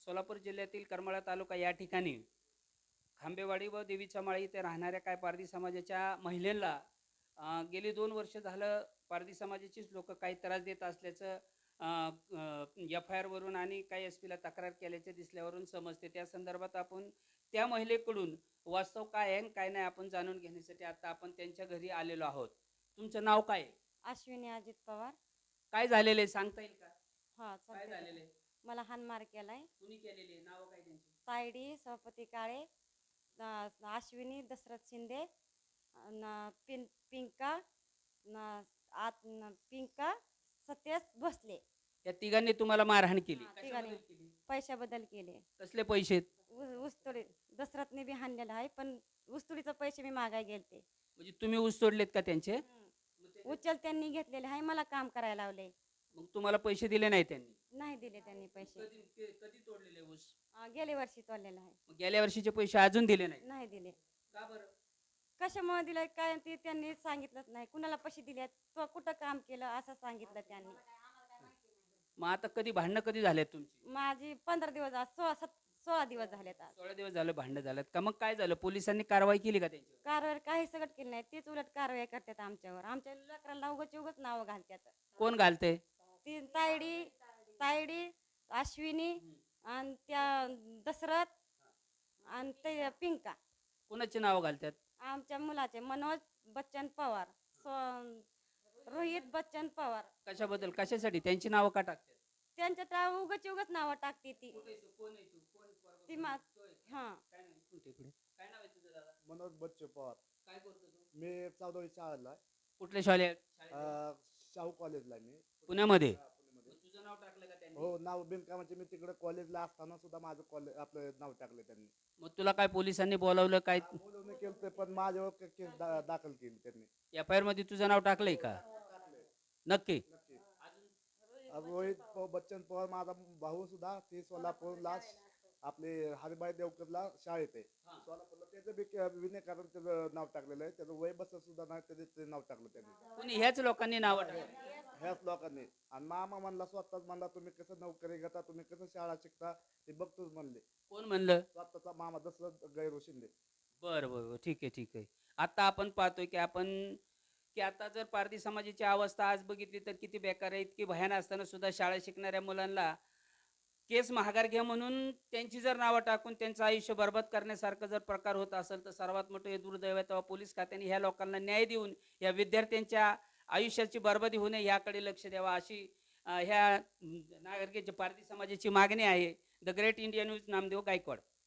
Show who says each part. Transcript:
Speaker 1: सोलापूर जिल्ह्यातील करमाळा तालुका या ठिकाणी खांबेवाडी व देवीच्या माळी इथे राहणाऱ्या काय पारधी समाजाच्या महिलांना गेली 2 वर्ष झालं पारधी समाजाचीच लोक काही त्रास देत असल्याचं एफ आय आरवरून आणि काही एस पीला तक्रार केल्याचे दिसल्यावरून समजते. त्या संदर्भात आपण त्या महिलेकडून वास्तव काय आहे आणि काय नाही आपण जाणून घेण्यासाठी आता आपण त्यांच्या घरी आलेलो आहोत. तुमचं नाव काय आहे?
Speaker 2: अश्विनी अजित पवार.
Speaker 1: काय झालेलं आहे सांगता येईल का?
Speaker 2: हा
Speaker 1: काय
Speaker 2: चालते.
Speaker 1: झालेलं आहे?
Speaker 2: मला हानमार केलाय.
Speaker 1: कुणी केलेली आहे? नाव काय त्यांची?
Speaker 2: तायडी सभापती काळे, अश्विनी दशरथ शिंदे, पिंका पिंका सतेज भोसले.
Speaker 1: या तिघांनी तुम्हाला मारहाण केली?
Speaker 2: हा, तिघांनी.
Speaker 1: कशाबद्दल केली?
Speaker 2: पैशाबद्दल केले.
Speaker 1: कसले पैसे?
Speaker 2: ऊसतोडी दशरथने बी हाणलेला आहे, पण ऊसतोडीचे पैसे मी मागाय गेलते.
Speaker 1: म्हणजे तुम्ही ऊस तोडलेत का त्यांचे?
Speaker 2: उचल त्यांनी घेतलेले आहे, मला काम करायला लावले.
Speaker 1: मग तुम्हाला पैसे दिले नाही त्यांनी?
Speaker 2: नाही दिले त्यांनी पैसे.
Speaker 1: कधी तोडलेले ऊस?
Speaker 2: गेल्या वर्षी तोडलेला आहे.
Speaker 1: मग गेल्या वर्षीचे पैसे अजून दिले नाही?
Speaker 2: नाही दिले.
Speaker 1: का बरं?
Speaker 2: कशामुळे दिलंय काय ते त्यांनी सांगितलंच नाही. कुणाला पैसे दिले, तो कुठं काम केलं असं सांगितलं त्यांनी.
Speaker 1: मग आता कधी भांडणं कधी झालेत तुमची?
Speaker 2: माझी 15 दिवस, आज 16 दिवस झालेत. आज
Speaker 1: 16 दिवस झालं भांडणं झालं का? मग काय झालं? पोलिसांनी कारवाई केली का त्यांची?
Speaker 2: कारवाई काही सगळं केलं नाही. तेच उलट कारवाई करतात आमच्यावर. आमच्या लेकराला उगाच नावं घालतात.
Speaker 1: कोण घालते?
Speaker 2: ती तायडी तायडी अश्विनी आणि त्या दशरथ आणि ते पिंका.
Speaker 1: कोणाचे नाव घालतात?
Speaker 2: आमच्या मुलाचे मनोज बच्चन पवार, रोहित बच्चन पवार.
Speaker 1: कशाबद्दल? कशासाठी त्यांची नावं का टाकतात?
Speaker 2: त्यांच्या उगाच नावं टाकते ती. ती मा हा.
Speaker 1: काय नाव आहे तुझं दादा?
Speaker 3: मनोज बच्चू पवार.
Speaker 1: काय करतो तू?
Speaker 3: मी 14वी शाळेला आहे.
Speaker 1: कुठल्या शाळेत?
Speaker 3: शाहू कॉलेजला आहे मी.
Speaker 1: पुण्यामध्ये?
Speaker 3: पुण्यामध्ये.
Speaker 1: मग तुझं नाव टाकलं का त्यांनी?
Speaker 3: हो, नाव बिनकामाचे मी तिकडे कॉलेजला असताना सुद्धा माझं कॉलेज आपलं नाव टाकलं त्यांनी.
Speaker 1: मग तुला काय पोलिसांनी बोलावलं काय?
Speaker 3: बोलवणं केलं पण माझ्यावर केस दाखल केली त्यांनी.
Speaker 1: एफ आय आर मध्ये तुझं नाव टाकलंय का? नक्की?
Speaker 3: नक्की. रोहित बच्चन पवार माझा भाऊ सुद्धा ते सोलापूरला आपले हरिभाई देवकरला शाळेत आहे. सोलापूरला त्याचं बी विनाकारण त्याचं नाव टाकलेलं आहे. त्याचं वय बसत सुद्धा नाही, त्याचं नाव टाकलं त्यांनी.
Speaker 1: कोणी ह्याच लोकांनी नाव टाकलं?
Speaker 3: ह्याच लोकांनी. आणि मामा म्हणला, स्वतःच म्हणला, तुम्ही कसं नोकरी घेता, तुम्ही कसं शाळा शिकता ते बघतोच म्हणले.
Speaker 1: कोण म्हणलं?
Speaker 3: स्वतःचा मामा दशरथ गैरू शिंदे.
Speaker 1: बरं बरं, ठीक आहे ठीक आहे. आता आपण पाहतोय की आता जर पारधी समाजाची अवस्था आज बघितली तर किती बेकार आहे. इतकी भयान असताना सुद्धा शाळा शिकणाऱ्या मुलांना केस महागार घ्या म्हणून त्यांची जर नावं टाकून त्यांचं आयुष्य बरबाद करण्यासारखं जर प्रकार होत असेल तर सर्वात मोठं हे दुर्दैव आहे. तेव्हा पोलीस खात्याने ह्या लोकांना न्याय देऊन या विद्यार्थ्यांच्या आयुष्याची बरबादी होऊ नये याकडे लक्ष द्यावा अशी ह्या नागरिकांची पारधी समाजाची मागणी आहे. The great India news, Namdev Gaikwad.